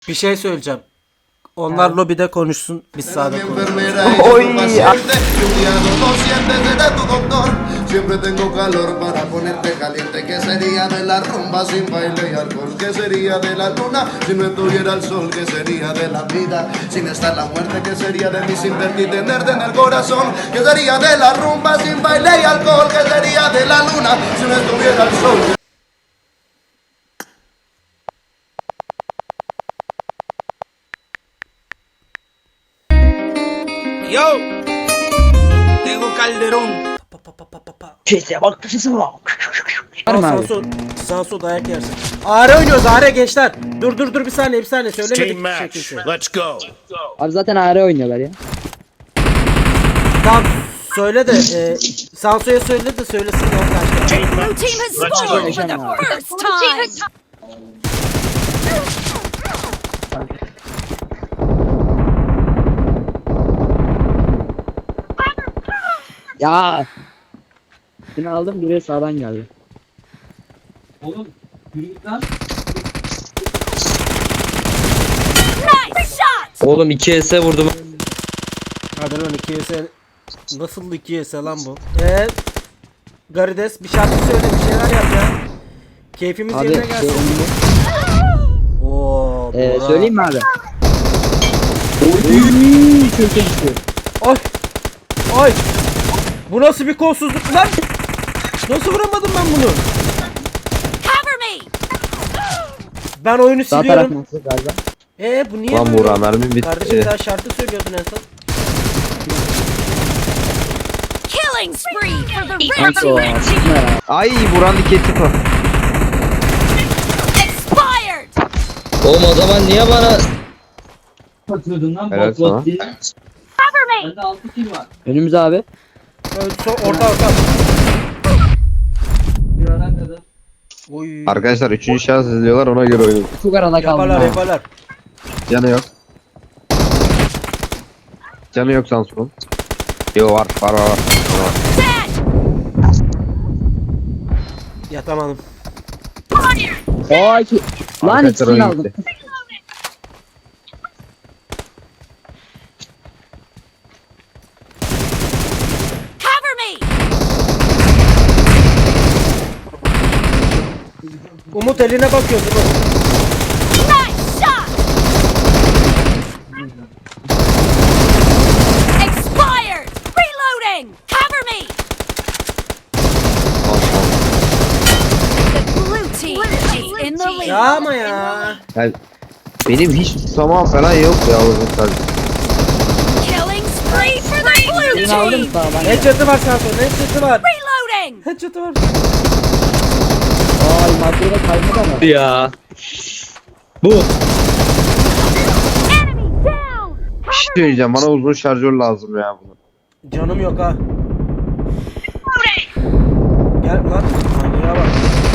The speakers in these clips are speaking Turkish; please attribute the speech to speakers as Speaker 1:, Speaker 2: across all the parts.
Speaker 1: Bir şey söyleyeceğim. Onlar lobide konuşsun, biz sağda konuşalım.
Speaker 2: Oy.
Speaker 3: Siempre tengo calor para ponerte caliente. ¿Qué sería de la rumba sin baile y alcohol? ¿Qué sería de la luna si no estuviera el sol? ¿Qué sería de la vida sin estar la muerte? ¿Qué sería de mí sin verte y tenerte en el corazón? ¿Qué sería de la rumba sin baile y alcohol? ¿Qué sería de la luna si no estuviera el sol?
Speaker 1: Yo! Tego Calderón.
Speaker 2: Sese bak sese bak. Var mı abi?
Speaker 1: Sağ sol dayak yersin. Ağrı oynuyoruz Ağrı gençler. Dur bir saniye söylemedik
Speaker 4: Team
Speaker 1: bir
Speaker 4: match.
Speaker 1: şekilde.
Speaker 4: Let's go.
Speaker 2: Abi zaten AR oynuyorlar ya.
Speaker 1: Tamam söyle de Sanso'ya söyle de söylesin ya arkadaşlar.
Speaker 4: Team
Speaker 5: Blue
Speaker 4: match.
Speaker 5: team has
Speaker 4: Let's
Speaker 5: scored
Speaker 4: go.
Speaker 5: for the first time.
Speaker 2: Ya. Seni aldım biri sağdan geldi.
Speaker 5: Nice shot.
Speaker 6: Oğlum 2 vurdum.
Speaker 1: Hadi lan 2S nasıl 2S lan bu? Garides bir şarkı söyle bir şeyler yap ya. Keyfimiz
Speaker 2: Abi
Speaker 1: yerine gelsin. Oo, Burak.
Speaker 2: söyleyeyim mi abi? Oy çok iyi.
Speaker 1: Ay. Ay. Bu nasıl bir kolsuzluk lan? Nasıl vuramadım ben bunu?
Speaker 5: Cover me.
Speaker 1: Ben oyunu
Speaker 2: Sağ taraf
Speaker 1: siliyorum.
Speaker 2: nasıl galiba?
Speaker 1: Bu niye
Speaker 6: Lan
Speaker 1: böyle?
Speaker 6: Burak mermim bitti.
Speaker 1: Kardeşim bir daha şarkı söylüyordun en son.
Speaker 5: Killing spree for the red
Speaker 2: Nasıl
Speaker 5: team.
Speaker 2: o? Sıkma ya.
Speaker 6: Ay Buran diketi ko.
Speaker 5: Expired.
Speaker 6: Oğlum o zaman niye bana... Evet sana.
Speaker 5: Cover me.
Speaker 2: Önümüz abi.
Speaker 1: Orta. Oy.
Speaker 6: Arkadaşlar 3. şans izliyorlar ona göre oynayın.
Speaker 2: Çok arada kaldım.
Speaker 1: Yaparlar.
Speaker 6: Canı yok. Canı yok Samsun. Yo var.
Speaker 5: Dead.
Speaker 1: Yatamadım.
Speaker 2: Oy ki. Lan
Speaker 6: Arkadaşlar
Speaker 2: ikisini
Speaker 6: oyun
Speaker 2: aldım.
Speaker 6: gitti.
Speaker 5: Cover me.
Speaker 1: Umut eline bakıyor Umut.
Speaker 5: Nice shot. Expired. Reloading. Cover me. The blue team is in the lead.
Speaker 1: Ya ama ya.
Speaker 6: Yani benim hiç tutamam falan yok ya oğlum sadece.
Speaker 5: Killing spree for the blue
Speaker 2: Birini aldım
Speaker 5: team.
Speaker 2: sağdan.
Speaker 1: Headshot'ı var Sanson. Headshot'ı var.
Speaker 5: Reloading.
Speaker 1: Headshot'ı var.
Speaker 2: Ay maddeyle kaymadı ama.
Speaker 6: Ya. Bu.
Speaker 5: Enemy down.
Speaker 6: Bir şey söyleyeceğim bana uzun şarjör lazım ya bunu.
Speaker 1: Canım yok ha. Gel lan. Manyağa bak.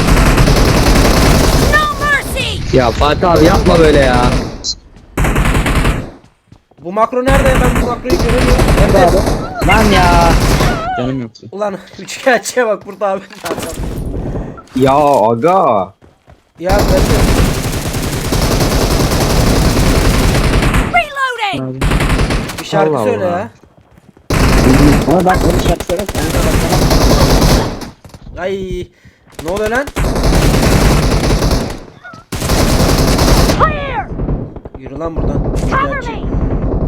Speaker 5: No mercy.
Speaker 6: Ya Fatih abi yapma böyle ya.
Speaker 1: Bu makro nerede? Ben bu makroyu göremiyorum.
Speaker 2: Nerede abi? Lan ya. Canım yoktu.
Speaker 1: Ulan üçkağıtçıya bak burada abi.
Speaker 6: Ya aga.
Speaker 1: Ya ben
Speaker 5: Reloading.
Speaker 1: bir şarkı
Speaker 6: Allah
Speaker 1: söyle
Speaker 6: Allah.
Speaker 1: ya.
Speaker 2: Ama ben onu şarkı söylerim. Sen de baksana.
Speaker 1: Ay. Ne oluyor lan?
Speaker 5: Clear.
Speaker 1: Yürü lan buradan.
Speaker 5: Cover
Speaker 1: Üçkağıtçı.
Speaker 5: me.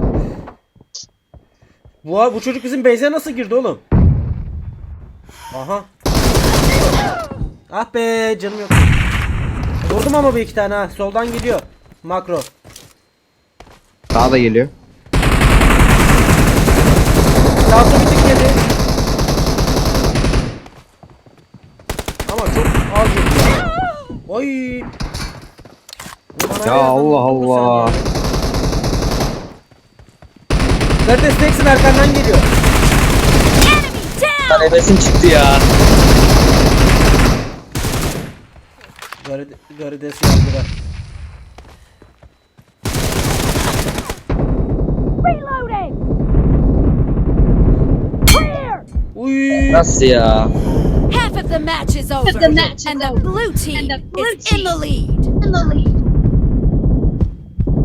Speaker 1: Bu çocuk bizim base'e nasıl girdi oğlum? Aha. Ah be canım yok. Vurdum ama bir iki tane ha. Soldan geliyor. Makro.
Speaker 6: Daha da geliyor.
Speaker 1: Sağ sol bir tık yedi. Ama çok az yedi. Oy. Bana
Speaker 6: Ya
Speaker 1: yardım
Speaker 6: Allah
Speaker 1: vurdun sen
Speaker 6: Allah.
Speaker 1: ya. Neredesin Ex'in arkandan geliyor.
Speaker 5: Enemy down.
Speaker 6: Nefesim çıktı ya.
Speaker 1: Garides yardıra.
Speaker 5: Reloading. Clear.
Speaker 1: Uy.
Speaker 6: Nasıl ya?
Speaker 5: Half of the match is over, and the blue team is in the lead.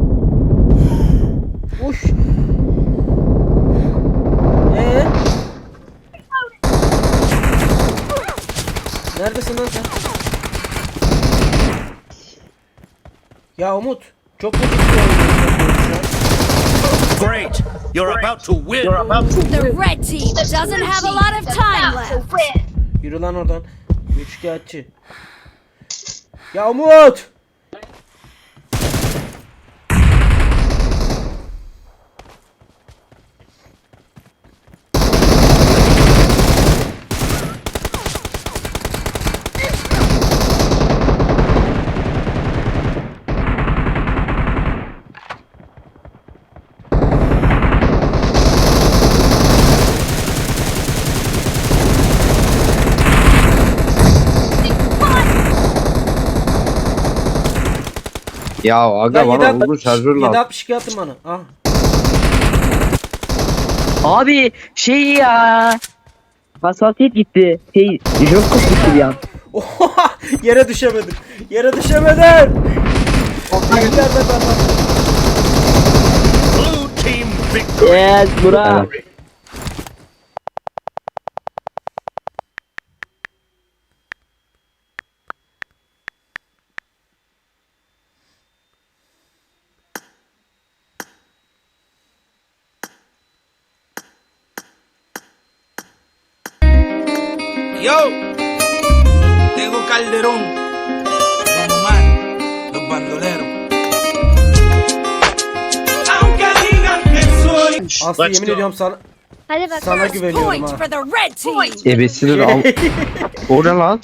Speaker 1: Neredesin lan sen? Ya Umut. Çok kötü bir şey oynuyorsun.
Speaker 4: Great! You're about to win!
Speaker 5: The red team doesn't have a lot of time left.
Speaker 1: Yürü lan oradan. Üçkağıtçı. Ya Umut!
Speaker 6: Ya aga
Speaker 1: Ya
Speaker 6: bana uzun şarjör lazım.
Speaker 1: 762 atın bana. Ah.
Speaker 2: Abi şey ya. Hassasiyet gitti. Şey Jokos gitti bir an.
Speaker 1: Oha! Yere düşemedim. Yere düşemedim. Nerede ben lan?
Speaker 4: Blue team victory!
Speaker 2: Yes bura.
Speaker 7: Yo, Tego Calderón, Don Omar, los bandoleros. Aunque digan que soy.
Speaker 1: Aslı yemin ediyorum sana
Speaker 5: Hadi bak.
Speaker 1: sana
Speaker 5: First
Speaker 1: güveniyorum
Speaker 5: point
Speaker 1: ha.
Speaker 5: for the red team.
Speaker 6: Ebesinin al. O ne lan?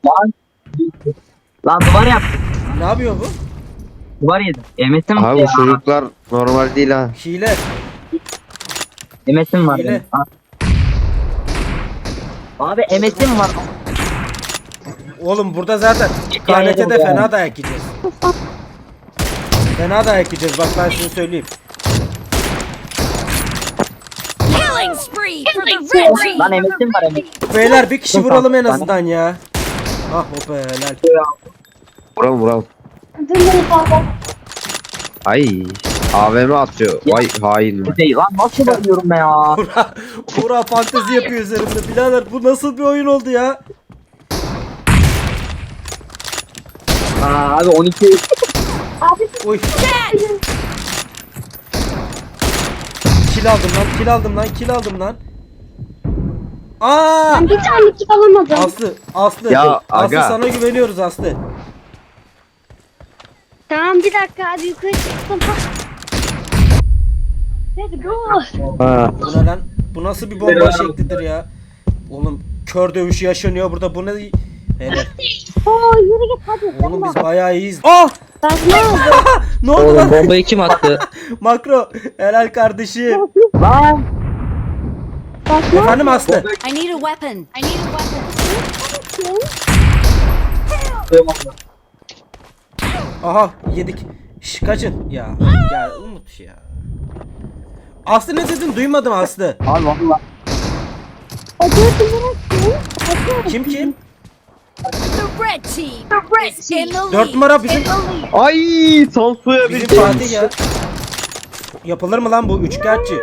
Speaker 2: Lan duvar yap.
Speaker 1: Ne yapıyor bu?
Speaker 2: Duvar yedim. Emetim
Speaker 6: Abi bu çocuklar normal değil ha.
Speaker 1: Hile.
Speaker 2: Emetim var.
Speaker 1: Hile.
Speaker 2: benim. Abi emetim var.
Speaker 1: Oğlum burada zaten KNT'de
Speaker 2: yedim ya.
Speaker 1: fena dayak yiyeceğiz. Fena dayak yiyeceğiz bak ben size söyleyeyim.
Speaker 5: Killing spree for the red team.
Speaker 2: Lan emetim var emetim.
Speaker 1: Beyler bir kişi vuralım en azından ya. Ah o be helal.
Speaker 6: Vuralım vuralım. Ay. AVM atıyor. Vay hain.
Speaker 2: Şey, lan nasıl bakıyorum ben ya?
Speaker 1: Buğra fantezi yapıyor üzerimde. Birader bu nasıl bir oyun oldu ya?
Speaker 2: Aa, abi 12.
Speaker 1: Uy. Kill aldım lan, kill aldım lan, kill aldım lan. Aa!
Speaker 8: Bir tane kit alamadım.
Speaker 1: Aslı.
Speaker 6: Ya,
Speaker 1: Aslı
Speaker 6: aga.
Speaker 1: sana güveniyoruz Aslı.
Speaker 8: Tamam bir dakika abi yukarı çıktım. Let's go.
Speaker 6: Ha.
Speaker 1: Bu ne lan? Bu nasıl bir bomba şeklidir ya? Oğlum kör dövüşü yaşanıyor burada. Bu ne? Hele.
Speaker 8: Oo yürü git hadi.
Speaker 1: Oğlum biz bayağı iyiyiz. Ah!
Speaker 8: Ben ne oldu?
Speaker 1: Ne oldu lan?
Speaker 2: Bombayı kim attı?
Speaker 1: Makro. Helal kardeşim.
Speaker 2: Lan.
Speaker 1: Efendim Aslı.
Speaker 5: I need a weapon. I need a weapon.
Speaker 1: Aha yedik. Şş, kaçın. Ya Umut ya. Aslı ne dedin? Duymadım Aslı.
Speaker 2: Abi valla.
Speaker 1: Kim?
Speaker 5: The red team is in the
Speaker 1: 4
Speaker 5: lead.
Speaker 1: numara bizim
Speaker 6: Ay Tansu'ya
Speaker 1: bizim
Speaker 6: bir
Speaker 1: Fatih ya. Yapılır mı lan bu üçkağıtçı?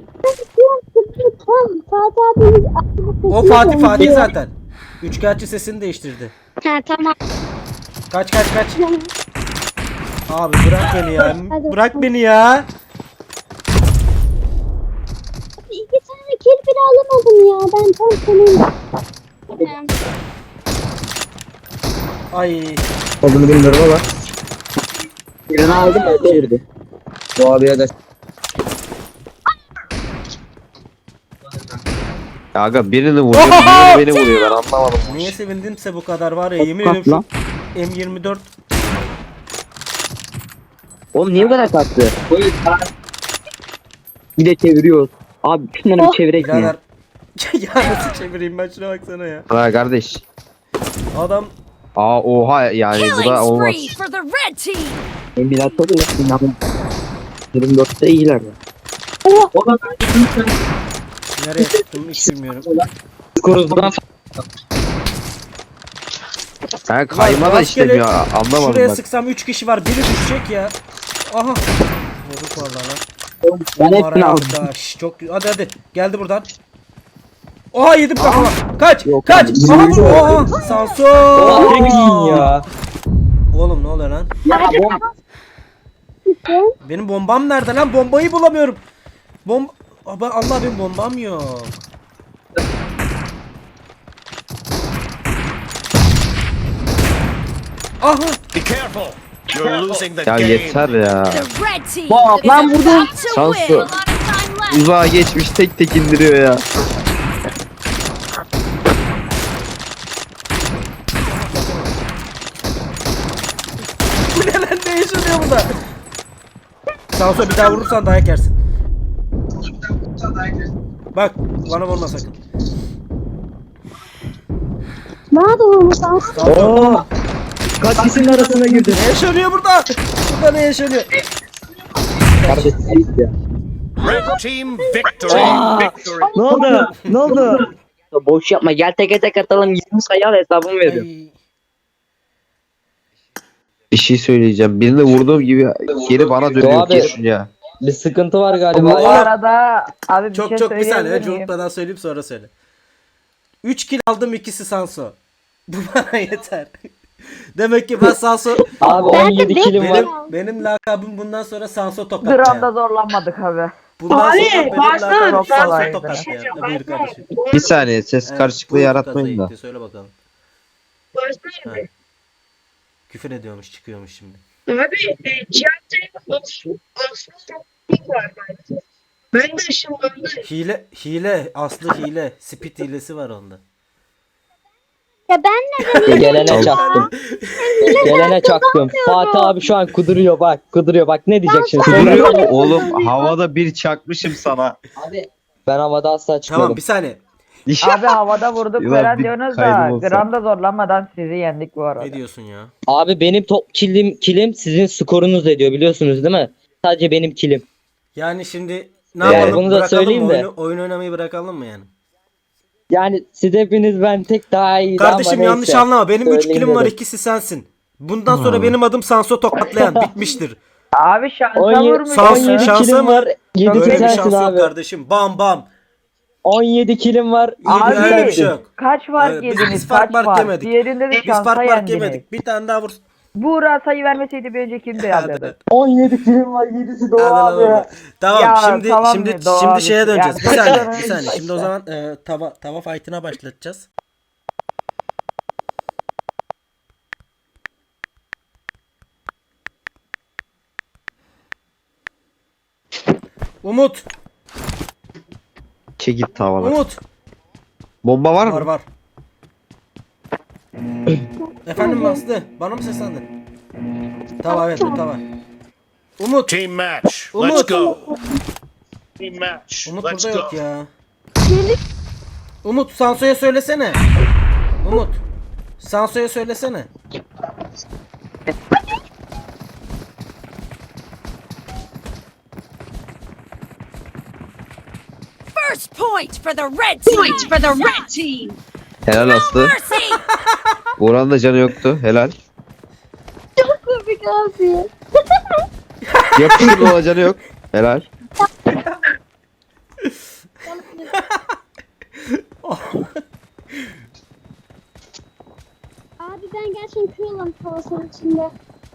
Speaker 8: Fatih abimiz
Speaker 1: O Fatih zaten. Üçkağıtçı sesini değiştirdi.
Speaker 8: Ha tamam.
Speaker 1: Kaç. Abi bırak beni ya. Bırak beni ya.
Speaker 8: İki tane kill bile alamadım ya. Ben tam senin.
Speaker 1: Ay.
Speaker 2: Olduğunu bilmiyorum ama. Birini aldım o çevirdi. Bu abiye de.
Speaker 6: Aga birini vuruyor, diğeri beni vuruyor. Ben anlamadım.
Speaker 1: Niye sevindimse bu kadar var ya. Yemin ediyorum
Speaker 2: Lan.
Speaker 1: şu M24
Speaker 2: Oğlum niye bu kadar kalktı? Bir de çeviriyoruz. Abi şunları bir çevirek mi?
Speaker 1: birader. Ya nasıl çevireyim ben şuna baksana ya.
Speaker 6: Ha kardeş.
Speaker 1: Adam
Speaker 6: Aa oha yani bu da
Speaker 5: Killing
Speaker 6: olmaz.
Speaker 5: spree for the red team.
Speaker 2: Embilat oluyor. Sinan'ın 24'te iyiler ya. O da
Speaker 1: nereye tuttum hiç bilmiyorum.
Speaker 2: Koruzdan
Speaker 6: Ha kayma da
Speaker 1: Rastgele
Speaker 6: istemiyor. Anlamadım
Speaker 1: Şuraya
Speaker 6: bak.
Speaker 1: sıksam 3 kişi var. Biri düşecek ya. Aha. Vurduk valla lan.
Speaker 2: ben hepsini
Speaker 1: Araya
Speaker 2: aldım.
Speaker 1: aldık ha. Şş, çok hadi. Geldi buradan. Oha yedim kafama. Kaç.
Speaker 6: Yok
Speaker 1: Kaç.
Speaker 6: abi.
Speaker 1: Aha bu. Oha. Sanso.
Speaker 9: ya.
Speaker 1: Oğlum ne oluyor lan? Benim bombam nerede lan? Bombayı bulamıyorum. Allah benim bombam yok. Aha.
Speaker 4: Be careful. You're losing the
Speaker 6: Ya
Speaker 4: game.
Speaker 6: yeter ya.
Speaker 5: The red team
Speaker 2: Bak,
Speaker 5: is
Speaker 2: lan
Speaker 5: about
Speaker 2: vurdum.
Speaker 5: to
Speaker 6: Şansı.
Speaker 5: win. A lot of time left.
Speaker 6: Uzağa geçmiş tek tek indiriyor ya.
Speaker 1: Bu ne lan, ne yaşanıyor burada? Sanso bir daha vurursan dayak yersin. Bak bana vurma sakın.
Speaker 8: Nerede olmuş lan?
Speaker 9: Oo. Kaç kişinin arasına girdin?
Speaker 1: Ne yaşanıyor burada? Burada ne yaşanıyor?
Speaker 9: Kardeşim ya.
Speaker 4: Red team victory.
Speaker 9: Ne oldu? Ne oldu?
Speaker 2: Boş yapma, gel teke tek atalım, 20 sayı al, hesabımı veriyorum.
Speaker 1: Ay,
Speaker 6: Bir şey söyleyeceğim. Birini vurduğum gibi geri bana dönüyor.
Speaker 9: Abi.
Speaker 6: Kesin ya.
Speaker 9: Bir sıkıntı var
Speaker 1: Bu
Speaker 9: galiba.
Speaker 1: arada
Speaker 2: abi
Speaker 1: çok bir saniye önce unutmadan söyleyeyim sonra söyle. 3 kill aldım, ikisi Sanso. Bu bana yeter. Demek ki ben Sanso
Speaker 9: Abi 17 kilim var.
Speaker 1: benim lakabım bundan sonra Sanso tokatlayan.
Speaker 2: Gramda zorlanmadık abi.
Speaker 1: Bundan sonra benim lakabım
Speaker 2: Çok
Speaker 1: Sanso
Speaker 2: kolaydı.
Speaker 1: tokatlayan. Buyur kardeşim.
Speaker 6: Bir saniye ses karışıklığı
Speaker 1: buyur
Speaker 6: yaratmayın da.
Speaker 1: Tokat'ı söyle bakalım. Ha. Küfür ediyormuş, çıkıyormuş şimdi.
Speaker 10: Abi Cihat'ta Osman var bence. Ben de ışınlandım.
Speaker 1: Hile, Aslı hile, speed hilesi var onda.
Speaker 8: Ya ben neden
Speaker 9: Gelene çaktım. Gelene çaktım. Fatih abi şu an kuduruyor bak. Kuduruyor bak, ne diyecek şimdi?
Speaker 6: Kuduruyor mu oğlum? Havada bir çakmışım sana.
Speaker 9: Ben havada asla çıkmadım.
Speaker 1: Tamam bir saniye.
Speaker 2: Abi havada vurduk
Speaker 6: Ulan
Speaker 2: falan
Speaker 6: bir
Speaker 2: diyorsunuz da
Speaker 6: kaydım olsa.
Speaker 2: gramda zorlanmadan sizi yendik bu arada.
Speaker 1: Ne diyorsun ya?
Speaker 9: Abi benim top kilim sizin skorunuz ediyor, biliyorsunuz değil mi? Sadece benim kilim.
Speaker 1: Yani şimdi ne
Speaker 6: Yani
Speaker 1: yapalım?
Speaker 9: bunu da
Speaker 1: Bırakalım
Speaker 9: söyleyeyim
Speaker 1: mı?
Speaker 9: de.
Speaker 1: Oyun oynamayı bırakalım mı yani?
Speaker 9: Yani siz hepiniz ben tek daha iyi.
Speaker 1: Kardeşim yanlış anlama. Benim 3
Speaker 9: Söyleyeyim
Speaker 1: kilim var,
Speaker 9: dedim.
Speaker 1: ikisi sensin. Bundan sonra benim adım Sanso tokatlayan. Bitmiştir.
Speaker 2: Abi şansa
Speaker 9: 17,
Speaker 2: vurmuş.
Speaker 1: Sansa-
Speaker 9: 17
Speaker 1: şansa
Speaker 9: kilim
Speaker 1: mı?
Speaker 9: var. 7
Speaker 1: Öyle bir
Speaker 9: sensin
Speaker 1: şans yok
Speaker 9: abi.
Speaker 1: kardeşim. Bam bam.
Speaker 9: 17 kilim var.
Speaker 2: Abi,
Speaker 1: Öyle bir şey yok.
Speaker 2: Kaç fark
Speaker 1: Biz
Speaker 2: yediniz?
Speaker 1: fark
Speaker 2: Kaç fark?
Speaker 1: yemedik.
Speaker 2: Diğerinde de
Speaker 1: Biz
Speaker 2: şansa
Speaker 1: fark
Speaker 2: yendiniz.
Speaker 1: yemedik. Bir tane daha vur.
Speaker 2: Buğra sayı vermeseydi bir önce kimdi
Speaker 1: Hadi
Speaker 2: ya?
Speaker 1: lan.
Speaker 9: 17 kilim var. 7'si Doğu
Speaker 1: Hadi lan
Speaker 9: abi.
Speaker 1: oğlum. Tamam
Speaker 2: Ya,
Speaker 1: şimdi
Speaker 2: tamam
Speaker 1: şimdi
Speaker 2: be, doğru
Speaker 1: şimdi
Speaker 2: abi.
Speaker 1: şeye döneceğiz.
Speaker 2: Ya,
Speaker 1: Bir saniye,
Speaker 2: tamam
Speaker 1: bir saniye.
Speaker 2: işte.
Speaker 1: Şimdi o zaman tava fight'ına başlatacağız. Umut,
Speaker 6: Çekil tavalar.
Speaker 1: Umut.
Speaker 6: Bomba var
Speaker 1: Var
Speaker 6: mı?
Speaker 1: var. Efendim Aslı, bana mı seslendin? Tava evet, bu tava. Umut,
Speaker 4: Team match.
Speaker 1: Umut.
Speaker 4: Let's go. Team match.
Speaker 1: Umut
Speaker 4: Let's
Speaker 1: burada
Speaker 4: go.
Speaker 1: yok ya. Umut, Sanso'ya söylesene. Umut, Sanso'ya söylesene.
Speaker 5: First point for the red team. Point for the red team.
Speaker 6: Helal Aslı.
Speaker 5: Mercy.
Speaker 6: Buranın da canı yoktu. Helal.
Speaker 8: komik abi?
Speaker 6: Yapıştır ona canı yok. Helal.
Speaker 8: Abi ben gerçekten kıyılam tavasının içinde.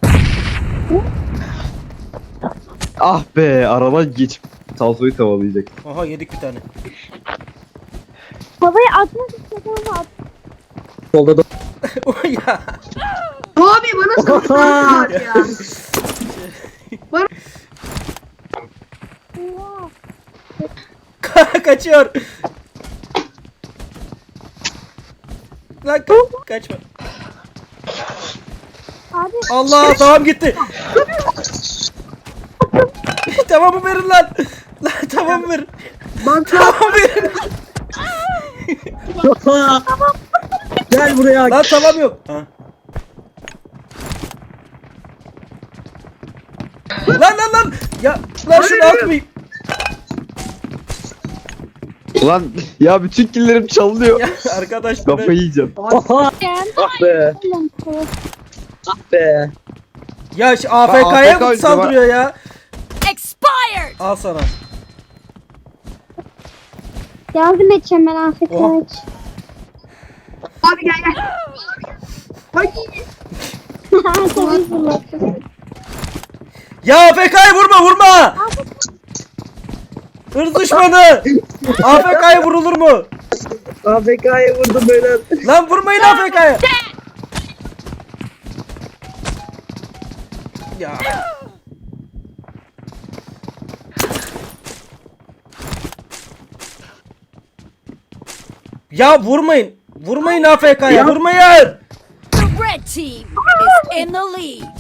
Speaker 6: Ah be aradan geçip Salso'yu tavalayacak.
Speaker 1: Aha yedik bir tane.
Speaker 8: Havaya atmak istedim ama at.
Speaker 9: Solda da.
Speaker 1: O ya.
Speaker 10: Abi bana sıkıntı ya.
Speaker 8: Oha.
Speaker 1: Kaçıyor. Lan kaçma.
Speaker 8: Abi
Speaker 1: Allah tamam gitti. Tamamı verin lan. Lan tamam ver. Tamam verin.
Speaker 9: Gel buraya.
Speaker 1: Lan tamam yok. Ha. Lan. Ya lan şunu atmayayım.
Speaker 6: Ulan ya bütün killerim çalınıyor.
Speaker 1: Ya arkadaş bu ne?
Speaker 6: Kafayı yiyeceğim.
Speaker 8: ben
Speaker 9: Ah be.
Speaker 8: kıyılam.
Speaker 9: Ah be.
Speaker 1: Ya şu
Speaker 6: AFK
Speaker 1: AFK'ya mı
Speaker 6: oyuncu
Speaker 1: saldırıyor ya?
Speaker 5: Expired.
Speaker 1: Al sana.
Speaker 8: Yardım edeceğim ben Afet
Speaker 1: Oh.
Speaker 8: aç.
Speaker 10: Abi gel. Ay.
Speaker 8: Tabii fırlattım.
Speaker 1: Ya AFK'yı vurma. Hırs düşmanı. AFK'ya vurulur mu?
Speaker 2: AFK'ya vurdum böyle.
Speaker 1: Lan vurmayın AFK'ya. Ya. Ya vurmayın. Vurmayın AFK'ya. Vurmayın.
Speaker 5: The red team is in the lead.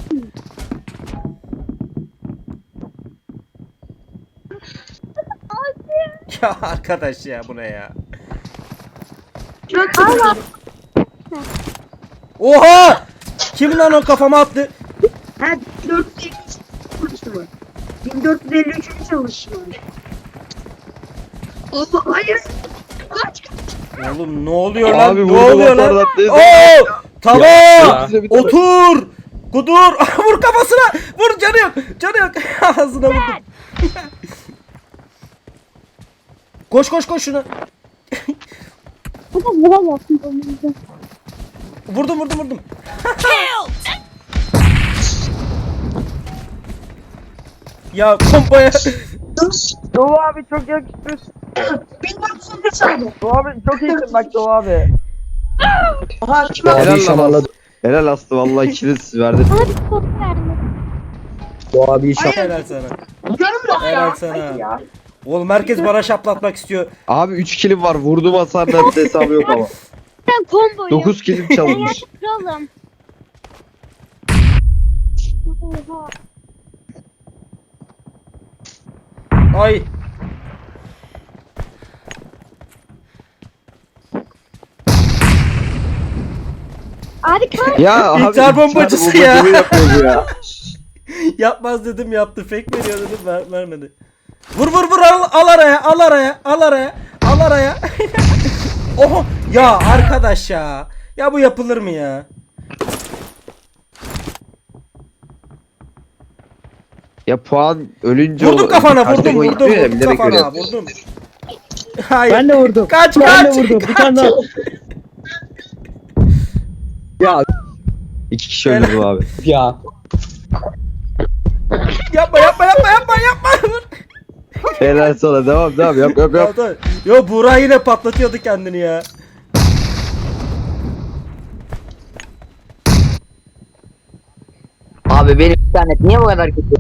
Speaker 1: Ya arkadaş ya bu ne ya?
Speaker 8: Allah.
Speaker 1: Oha! Kim lan o kafama attı?
Speaker 10: Ha 1453 çalışıyor. 1453 çalışıyor. Allah hayır. Kaç.
Speaker 1: Oğlum ne oluyor lan?
Speaker 6: Abi
Speaker 1: Ne
Speaker 6: vurdum
Speaker 1: oluyor lan?
Speaker 6: atardan teyze.
Speaker 1: Oo! Tamam.
Speaker 6: Ya.
Speaker 1: Otur. Kudur. Vur kafasına. Vur canı yok. Canı yok. Ağzına vurdum. Koş şuna.
Speaker 8: Bu da vuramazsın bunu.
Speaker 1: Vurdum.
Speaker 5: Killed!
Speaker 1: Ya pompaya.
Speaker 2: Doğu abi çok yakıştır.
Speaker 10: 1453 çaldı.
Speaker 2: Doğu abi çok iyisin bak Doğu abi.
Speaker 10: Aha kim
Speaker 6: Helal
Speaker 9: Abi
Speaker 6: lan
Speaker 9: şamarladı.
Speaker 6: Helal Aslı vallahi ikiniz verdin.
Speaker 8: Bana bir kod verdi.
Speaker 9: Doğu abi şamarladı.
Speaker 1: Helal sana.
Speaker 10: Canım yok
Speaker 1: Helal
Speaker 10: ya.
Speaker 1: sana.
Speaker 10: Hadi ya.
Speaker 1: Oğlum herkes bana şaplatmak istiyor.
Speaker 6: Abi 3 kilim var. Vurdum hasardan hesabı yok ama.
Speaker 8: Ben comboyum.
Speaker 6: 9 kilim
Speaker 8: Ben
Speaker 6: çalınmış.
Speaker 8: gerçek kralım. Oha.
Speaker 1: Ay.
Speaker 8: Abi kaç.
Speaker 6: Ya abi.
Speaker 1: İntihar bombacısı
Speaker 6: intihar
Speaker 1: ya.
Speaker 6: bombacılığı yapıyor bu ya.
Speaker 1: Yapmaz dedim yaptı. Fake veriyor dedim vermedi. Vur al araya. Oho ya arkadaş ya. Ya bu yapılır mı ya?
Speaker 6: Ya puan ölünce
Speaker 1: Vurdum kafana
Speaker 6: Karşı
Speaker 1: vurdum
Speaker 6: boy
Speaker 1: vurdum
Speaker 6: gitmiyor ya, bilerek
Speaker 1: kafana
Speaker 6: öyle.
Speaker 1: vurdum. Hayır.
Speaker 9: Ben de vurdum.
Speaker 1: Kaç
Speaker 9: Ben de
Speaker 1: kaç.
Speaker 9: vurdum. Bir tane daha. Ya
Speaker 6: 2 kişi öldü bu abi.
Speaker 9: ya.
Speaker 1: Yapma. Vur.
Speaker 6: Helal sana devam yap.
Speaker 1: Ya, tamam. Yo Buğra yine patlatıyordu kendini ya.
Speaker 2: Abi benim internet niye bu kadar kötü?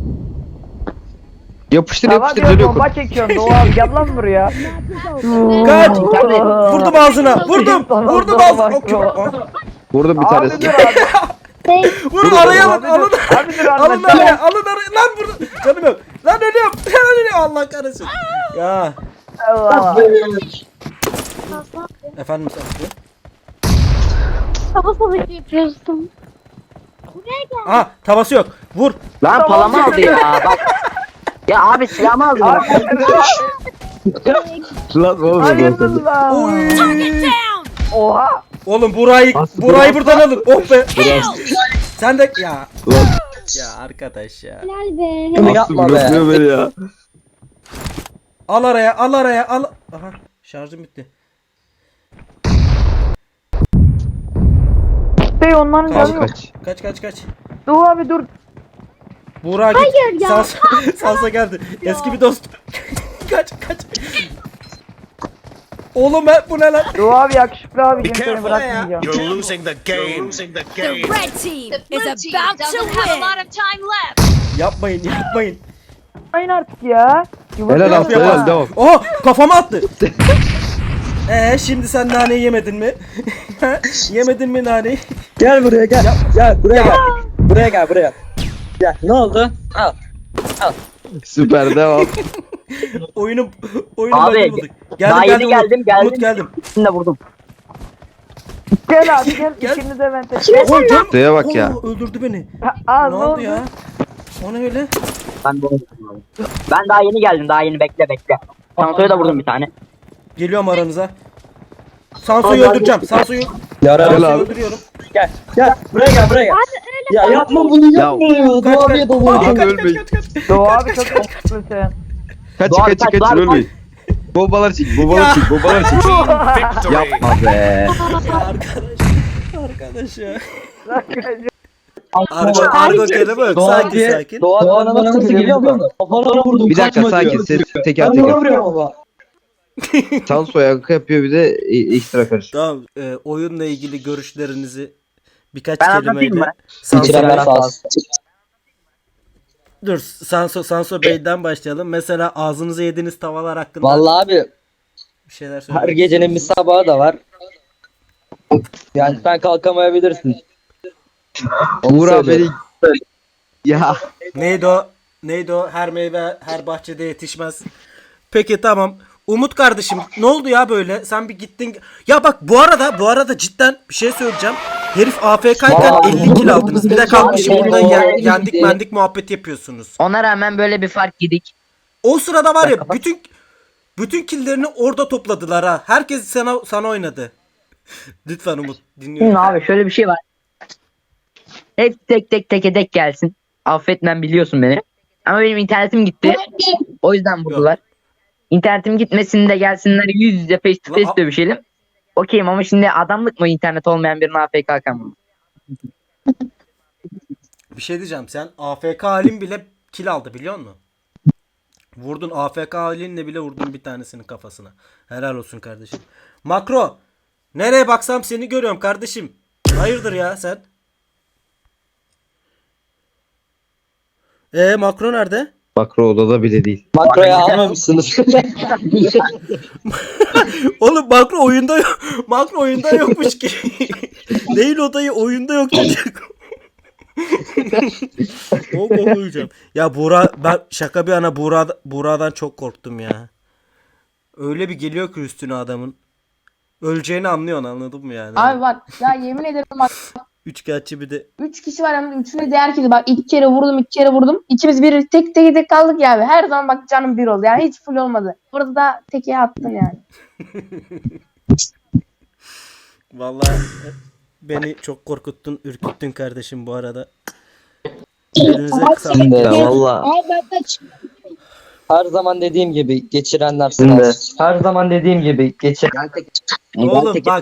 Speaker 6: Yapıştır
Speaker 2: Tamam
Speaker 6: yapıştır
Speaker 2: diyor
Speaker 6: dönüyor.
Speaker 2: bomba çekiyorsun Doğu abi gel lan buraya.
Speaker 1: Kaç. Vurdum ağzına. Vurdum ağzına. Okey.
Speaker 6: Vurdum bir
Speaker 2: Abi
Speaker 6: tanesini.
Speaker 2: dur abi.
Speaker 1: Vurun araya alın. Alın
Speaker 2: Abi dur
Speaker 1: alın
Speaker 2: abi.
Speaker 1: araya. Lan vurdum. Canım yok. Lan ölüyorum. Allah kahretsin. Ya.
Speaker 2: Allah.
Speaker 1: Efendim Saskia.
Speaker 8: Kafa savaşı yapıyorsun. Buraya gel.
Speaker 1: Aha tavası yok. Vur.
Speaker 2: Lan palamı aldı ya bak. Ya abi silahımı aldı.
Speaker 6: Lan oğlum.
Speaker 2: Hayırdır lan.
Speaker 1: Oy.
Speaker 5: Target down!
Speaker 2: Oha.
Speaker 1: Oğlum Buray'ı buradan alın. Oh be. Sen de ya.
Speaker 6: Lan
Speaker 1: Ya arkadaş ya.
Speaker 8: Helal be.
Speaker 9: Bunu
Speaker 6: Aslı
Speaker 9: yapma be.
Speaker 6: bırakmıyor beni ya.
Speaker 1: Al araya. Aha şarjım bitti.
Speaker 2: Bey onların
Speaker 1: Kaç,
Speaker 2: canı yok.
Speaker 1: Kaç.
Speaker 2: Doğu abi dur.
Speaker 1: Buğra git.
Speaker 8: Hayır ya.
Speaker 1: Sansa geldi. Eski bir dost. Kaç. Oğlum bu ne lan?
Speaker 2: Doğu abi yakışıklı abi
Speaker 4: Be
Speaker 2: seni
Speaker 4: careful.
Speaker 2: bırakmayacağım.
Speaker 4: You're losing the game.
Speaker 5: The red team is about to win. time left.
Speaker 1: Yapmayın.
Speaker 2: Aynen artık ya.
Speaker 6: Helal Aslı helal devam.
Speaker 1: Oha kafama attı. Şimdi sen naneyi yemedin mi? Yemedin mi naneyi?
Speaker 9: Gel buraya gel. Gel buraya gel. Buraya. Gel. Ne oldu? Al.
Speaker 6: Süper devam.
Speaker 1: Oyunu
Speaker 2: Abi,
Speaker 1: bug'ını bulduk.
Speaker 2: daha yeni geldim.
Speaker 1: Umut geldim.
Speaker 2: Şimdi de vurdum. Gel abi gel.
Speaker 1: Gel.
Speaker 2: İkiniz de vente.
Speaker 1: Oğlum canım.
Speaker 6: Şuraya bak ya.
Speaker 1: Öldürdü beni.
Speaker 2: Aa
Speaker 1: Ne oldu ya? O ne öyle?
Speaker 2: Ben daha yeni geldim. Daha yeni bekle. Sanso'ya da vurdum bir tane.
Speaker 1: Geliyorum aranıza. Sanso'yu öldüreceğim. Sanso'yu
Speaker 9: Yararım.
Speaker 6: abi.
Speaker 1: öldürüyorum.
Speaker 9: Gel. Buraya gel. Ya yapma bunu yapma ya. Doğu abiye
Speaker 1: Aa,
Speaker 9: dalıyor.
Speaker 6: Abi ölmeyin.
Speaker 2: Doğu abi çok yakışıklı sen.
Speaker 6: Kaç ölmeyin. Bombalar çek, bombalar çek, bombalar çek.
Speaker 4: Team victory.
Speaker 6: Yapma be.
Speaker 1: Ya arkadaş ya. Argo kelime yok. Sakin sakin.
Speaker 9: Doğan bana nasıl geliyor mu? Kafana vurdum.
Speaker 6: Bir dakika
Speaker 9: kaçma
Speaker 6: sakin,
Speaker 9: diyor.
Speaker 6: ses teker
Speaker 9: Ben buna
Speaker 6: teker.
Speaker 9: vuruyorum ama.
Speaker 6: Tansu yankı yapıyor bir de ekstra karış.
Speaker 1: Tamam. Oyunla ilgili görüşlerinizi birkaç
Speaker 2: Ben anlatayım
Speaker 1: kelimeyle
Speaker 2: mı?
Speaker 9: İçiren
Speaker 1: Sanso,
Speaker 9: faz.
Speaker 1: dur Sanso Bey'den başlayalım. Mesela ağzınıza yediğiniz tavalar hakkında
Speaker 9: Vallahi abi
Speaker 1: bir şeyler
Speaker 9: her
Speaker 1: söylemek
Speaker 9: gecenin bir
Speaker 1: istiyor
Speaker 9: sabahı da var. Yani sen kalkamayabilirsin.
Speaker 6: Uğur abi
Speaker 9: söylüyorum.
Speaker 6: beni... Ya.
Speaker 1: musunuz? Neydi o? Her meyve her bahçede yetişmez. Peki tamam. Umut kardeşim ne oldu ya böyle? Sen bir gittin. Ya bak bu arada cidden bir şey söyleyeceğim. Herif AFK'yken
Speaker 9: Vallahi
Speaker 1: 50 kill aldınız. Bir de kalkmışım
Speaker 9: Vallahi
Speaker 1: burada
Speaker 9: vallahi
Speaker 1: yendik
Speaker 9: gitti.
Speaker 1: mendik muhabbet yapıyorsunuz.
Speaker 2: Ona rağmen böyle bir fark yedik.
Speaker 1: O sırada var ya bütün killlerini orada topladılar ha. Herkes sana oynadı. Lütfen Umut dinliyorum.
Speaker 2: Şimdi abi şöyle bir şey var. Hep tek tek gelsin. Affetmem biliyorsun beni. Ama benim internetim gitti. O yüzden vurdular. İnternetim gitmesin de gelsinler yüz yüze face to face dövüşelim. Okeyim ama şimdi adamlık mı internet olmayan birine AFK kalkan?
Speaker 1: Bir şey diyeceğim. Sen AFK halin bile kill aldı biliyor musun? Vurdun AFK halinle bile vurdun bir tanesinin kafasına. Helal olsun kardeşim. Makro. Nereye baksam seni görüyorum kardeşim. Hayırdır ya sen? Makro nerede?
Speaker 6: Makro odada bile değil.
Speaker 9: Makroya almamışsınız.
Speaker 1: Oğlum makro oyunda yok. Makro oyunda yokmuş ki. Değil odayı oyunda yok çocuk. O kokuyacağım. Ya Buğra ben şaka bir yana Buğra'dan çok korktum ya. Öyle bir geliyor ki üstüne adamın. Öleceğini anlıyorsun anladın mı yani?
Speaker 10: Abi bak ya yemin ederim bak
Speaker 1: Üçkağıtçı bir de.
Speaker 10: 3 kişi var hem de üçünü de herkes bak 2 kere vurdum. İkimiz bir tek kaldık ya abi. Her zaman bak canım bir oldu. Yani hiç full olmadı. Burada da teke attın yani.
Speaker 1: Vallahi beni çok korkuttun, ürküttün kardeşim bu arada. Elinize sağlık.
Speaker 6: Ya valla.
Speaker 9: Her zaman dediğim gibi geçirenler sınav. Her zaman dediğim gibi geçiren.
Speaker 1: Oğlum bak